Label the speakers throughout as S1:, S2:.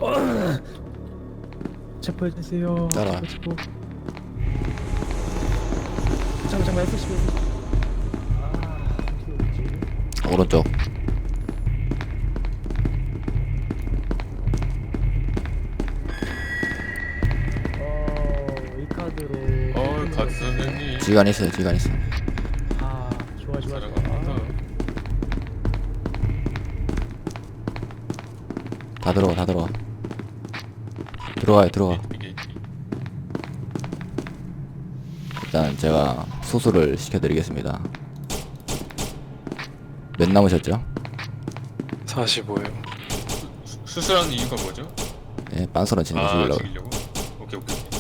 S1: 체포해주세요.
S2: 따라와.
S1: 체포. 잠깐만 F15.
S2: 오른쪽.
S1: 이 카드로.
S3: 가드 선생님.
S2: 지간 있어요. 지간 있어.
S1: 아, 좋아.
S3: 사랑합니다.
S2: 다 들어가. 다 들어가. 들어가.
S3: 이게
S2: 일단 제가 수술을 시켜드리겠습니다. 몇 남으셨죠?
S4: 45요.
S3: 수술하는 이유가 뭐죠?
S2: 예, 빤스런 치는 거 죽이려고.
S3: 죽이려고? 오케이.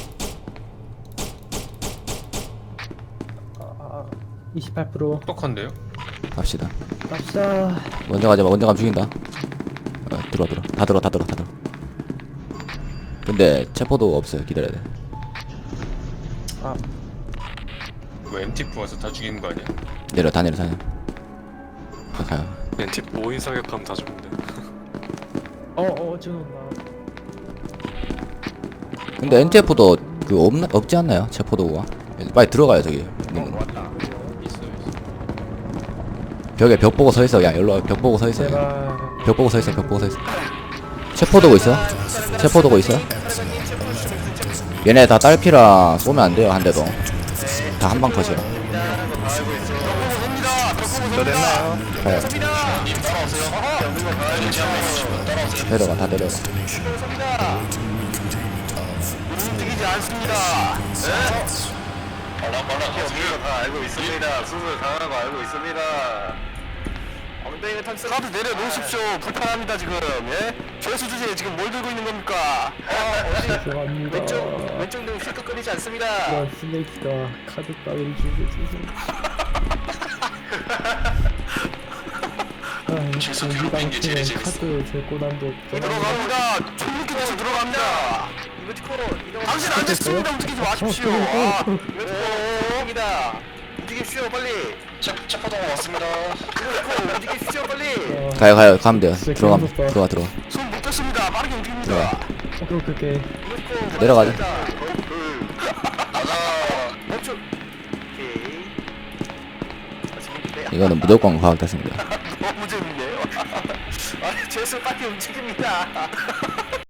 S1: 28%.
S3: 똑똑한데요?
S2: 갑시다.
S1: 갑시다.
S2: 먼저 가자. 먼저 가면 죽인다. 들어와. 다 들어. 근데 체포도 없어요. 기다려야 돼.
S1: 아,
S3: 뭐 MTF 와서 다 죽이는 거 아니야?
S2: 다 내려. 가요.
S4: 멘티 5인 사격하면 다 죽는데.
S1: 지금 나.
S2: 근데 NTF도 없지 않나요? 체포도구가. 빨리 들어가요. 저기 있는 거.
S3: 있어요.
S2: 벽에 벽 보고 서 있어. 그냥 일로 와. 벽 보고 서 있어.
S1: 제발.
S2: 벽 보고 서 있어. 체포도구 있어? 체포도구 있어? 얘네 다 딸피라 쏘면 안 돼요. 한 대도. 다 한 방 컷이야.
S4: 저 됐나요?
S2: 가요. 내려가. 다 내려가.
S5: 움직이지 않습니다. 우리가 다 알고 있습니다. 수술 당하고 알고 있습니다. 엉덩이가 탁 카드 내려놓으십시오. 불편합니다 지금. 예? 죄수 주제에 지금 뭘 들고 있는 겁니까?
S1: 죄송합니다.
S5: 왼쪽 등 휘끗거리지 않습니다.
S1: 이런 스네이크가 카드 따위를 주세요.
S5: 죄송,
S1: 당신은 카드 재고 난도
S5: 들어갑니다. 총무기 대서 들어갑니다. 이모티콘 당신 앉았습니다. 움직이지 마십시오. 이모티콘입니다. 움직이십시오 빨리. 체포동 왔습니다. 이모티콘 움직이십시오 빨리.
S2: 가요. 가면 돼요.
S1: 진짜
S2: 들어가.
S1: 개무섭다.
S2: 들어가.
S5: 손 못 뺐습니다. 빠르게 움직입니다.
S2: 들어가.
S1: 오케이.
S5: 이모티콘
S2: 내려가자.
S5: 가자. 멈춰. 오케이.
S2: 이거는 무조건 과학됐습니다.
S5: 너무 재밌네요. 아, 죄수 빨리 움직입니다.